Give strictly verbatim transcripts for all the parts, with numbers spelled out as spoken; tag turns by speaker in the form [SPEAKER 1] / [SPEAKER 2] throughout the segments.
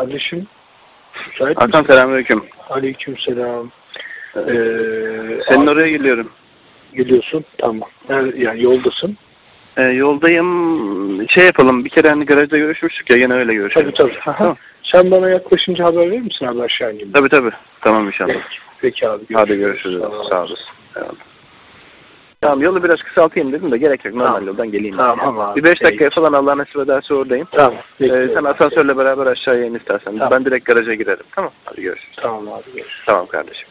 [SPEAKER 1] Kardeşim, müsait
[SPEAKER 2] Hakan
[SPEAKER 1] misin?
[SPEAKER 2] selamünaleyküm.
[SPEAKER 1] Aleykümselam. Ee,
[SPEAKER 2] Senin
[SPEAKER 1] abi,
[SPEAKER 2] oraya geliyorum.
[SPEAKER 1] geliyorsun, tamam. Yani, yani yoldasın.
[SPEAKER 2] Ee, yoldayım. Şey yapalım. Bir kere hani garajda görüşmüştük ya. Yine öyle görüşelim.
[SPEAKER 1] Tabii tabii.
[SPEAKER 2] Tamam.
[SPEAKER 1] Sen bana yaklaşınca haber verir misin abi aşağı ineyim?
[SPEAKER 2] Tabii tabii. Tamam inşallah.
[SPEAKER 1] Peki, peki abi. Görüşürüz.
[SPEAKER 2] Hadi görüşürüz.
[SPEAKER 1] Sağ,
[SPEAKER 2] Sağ olasın. Eyvallah. Tamam, yolu biraz kısaltayım dedim de gerek yok. Normal
[SPEAKER 1] tamam.
[SPEAKER 2] yoldan geleyim.
[SPEAKER 1] Tamam abi.
[SPEAKER 2] Bir beş dakikaya falan Allah nasip ederse oradayım.
[SPEAKER 1] Tamam.
[SPEAKER 2] Ee, sen asansörle beraber aşağıya in istersen.
[SPEAKER 1] Tamam.
[SPEAKER 2] Ben direkt garaja girerim. Tamam. Hadi görüşürüz.
[SPEAKER 1] Tamam abi. Görüşürüz.
[SPEAKER 2] Tamam kardeşim.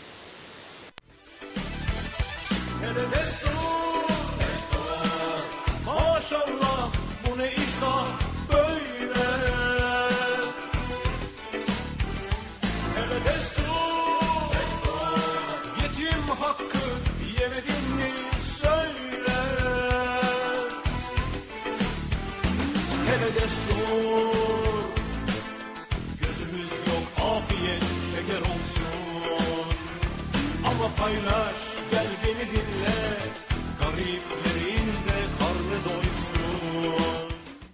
[SPEAKER 3] Maşallah bu ne iştah böyle. Hele destur, yetim hakkı yemedin mi söyle. Hele destur, gözümüz yok afiyet şeker olsun. Ama paylaş gel beni dinle, gariplerin de karnı doysun.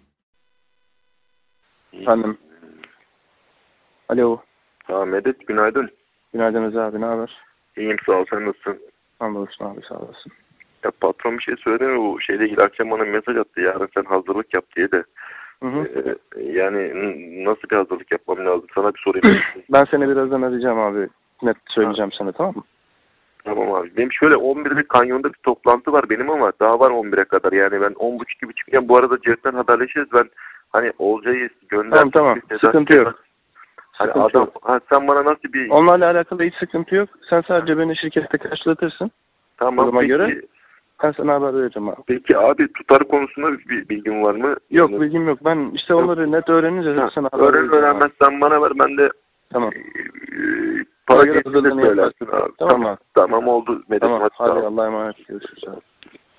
[SPEAKER 2] Efendim. Alo.
[SPEAKER 4] Ha Medet, günaydın.
[SPEAKER 2] Günaydın Rıza abi. Ne haber?
[SPEAKER 4] İyiyim, sağ ol, sen nasılsın?
[SPEAKER 2] Hamdolsun abi, sağ olasın.
[SPEAKER 4] Ya patron bir şey söyledi mi, bu şeyle ilgili akşam bana mesaj attı, yarın sen hazırlık yap diye de.
[SPEAKER 2] Hı hı.
[SPEAKER 4] Ee, yani n- nasıl bir hazırlık yapmam lazım, sana bir sorayım.
[SPEAKER 2] Ben seni birazdan arayacağım abi. Net söyleyeceğim sana, tamam mı?
[SPEAKER 4] Tamam abi, benim şöyle on birde kanyonda bir toplantı var benim ama daha var on bire kadar, yani ben on buçuk gibi çıkacağım. Bu arada Cevden haberleşiriz, ben hani Olcay'ı gönder.
[SPEAKER 2] Tamam tamam, sıkıntı yok.
[SPEAKER 4] Hani
[SPEAKER 2] Sıkıntı
[SPEAKER 4] adam,
[SPEAKER 2] yok.
[SPEAKER 4] ha, sen bana nasıl bir...
[SPEAKER 2] Onlarla alakalı hiç sıkıntı yok. Sen sadece beni şirkette karşılatırsın.
[SPEAKER 4] Tamam
[SPEAKER 2] Duruma
[SPEAKER 4] peki,
[SPEAKER 2] göre ben sana haber vereceğim abi.
[SPEAKER 4] peki abi, tutar konusunda bir bilgin var mı?
[SPEAKER 2] Yok,
[SPEAKER 4] Yani,
[SPEAKER 2] bilgim yok. Ben işte onları net öğrenince
[SPEAKER 4] ha,
[SPEAKER 2] sana haber
[SPEAKER 4] öğren
[SPEAKER 2] vereceğim abi.
[SPEAKER 4] öğrenmezsen bana ver, ben de
[SPEAKER 2] Tamam.
[SPEAKER 4] Ee, para
[SPEAKER 2] göre
[SPEAKER 4] geçti de
[SPEAKER 2] hazırlığını
[SPEAKER 4] söylersin
[SPEAKER 2] yaparsın.
[SPEAKER 4] abi.
[SPEAKER 2] Tamam
[SPEAKER 4] Tamam,
[SPEAKER 2] abi.
[SPEAKER 4] tamam oldu Medet.
[SPEAKER 2] Tamam.
[SPEAKER 4] Hadi,
[SPEAKER 2] Hadi
[SPEAKER 4] tamam.
[SPEAKER 2] Allah'a emanet. Görüşürüz abi.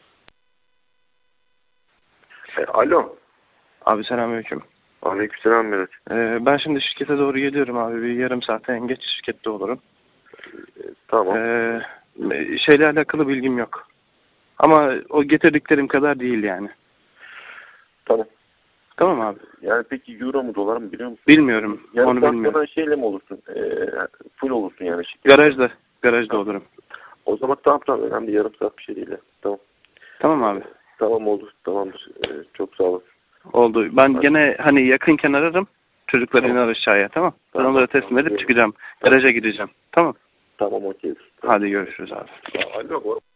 [SPEAKER 4] E, alo.
[SPEAKER 2] Abi selamünaleyküm.
[SPEAKER 4] Aleykümselam Medet.
[SPEAKER 2] Ee, ben şimdi şirkete doğru geliyorum abi. Bir yarım saate en geç şirkette olurum.
[SPEAKER 4] E, tamam.
[SPEAKER 2] Ee, şeyle alakalı bilgim yok. Ama o getirdiklerim kadar değil yani.
[SPEAKER 4] Tamam.
[SPEAKER 2] Tamam abi.
[SPEAKER 4] Yani peki euro mu dolar mı biliyor musun?
[SPEAKER 2] Bilmiyorum.
[SPEAKER 4] Yani
[SPEAKER 2] Onu
[SPEAKER 4] sen
[SPEAKER 2] bilmiyorum.
[SPEAKER 4] bana şeyle mi olursun? E, full olursun yani. Şirket.
[SPEAKER 2] Garajda. Garajda olurum.
[SPEAKER 4] O zaman tamam tamam, önemli, yarım saat bir şey değil. Tamam.
[SPEAKER 2] Tamam abi.
[SPEAKER 4] Tamam oldu. Tamamdır. E, çok sağ olasın.
[SPEAKER 2] Oldu. Ben
[SPEAKER 4] Hadi.
[SPEAKER 2] gene hani yakınken ararım. Çocuklar
[SPEAKER 4] Tamam.
[SPEAKER 2] iner aşağıya, tamam. Ben
[SPEAKER 4] Tamam.
[SPEAKER 2] onları teslim
[SPEAKER 4] Tamam.
[SPEAKER 2] edip çıkacağım. Garaja gideceğim. Tamam.
[SPEAKER 4] Tamam okey.
[SPEAKER 2] Hadi görüşürüz abi.
[SPEAKER 4] Alo.